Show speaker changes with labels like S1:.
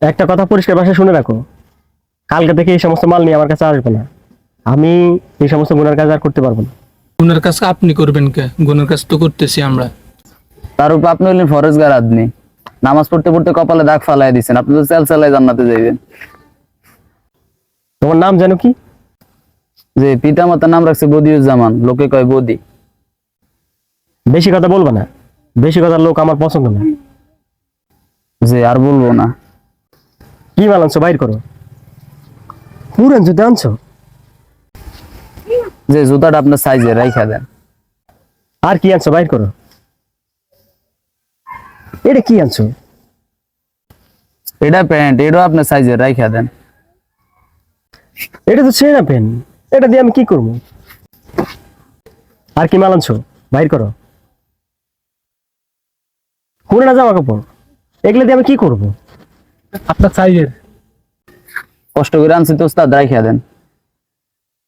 S1: একটা কথা পরিষ্কার ভাষায় শুনে রাখো, কালকে থেকে এই সমস্ত মাল নিয়ে আমার কাছে আসবে না। আমি এই সমস্ত গুনার কাজ আর করতে পারবো না।
S2: গুণের কাজ আপনি করবেন কে? গুণের কাজ তো করতেছি আমরা।
S3: তার উপর আপনি হলেন ফরেজগার আদমি, নামাজ পড়তে পড়তে কপালে দাগ ফালাই দিচ্ছেন, আপনি তো চাল চালাই জান্নাতে যাইবেন।
S1: তোমার নাম জানো কি?
S3: যে পিতা মাতার নাম রাখছে বদিউজ্জামান, লোকে কয় বদি।
S1: বেশি কথা বলবা না, বেশি কথার লোক আমার পছন্দ না।
S3: যে আর বলবো না।
S1: কি মাল আনছো বাইর করো। পুরান জুতো আনছো?
S3: যে জুতাটা আপনার সাইজে রাইখা দেন।
S1: আর কি আনছো বাইর করো। এটা কি আনছো?
S3: এটা প্যান্ট, এটাও আপনার সাইজে রাইখা দেন।
S1: এটা তো ছেঁড়া পেন, এটা দিয়ে আমি কি করবো? আর কি মাল আনছো বাইর করো। পুরানা জামা কাপড়, এগুলো দিয়ে আমি কি করবো?
S2: আপনার সাইজের।
S3: কষ্ট করে আনছি তো ওস্তাদ, রাইখা দেন।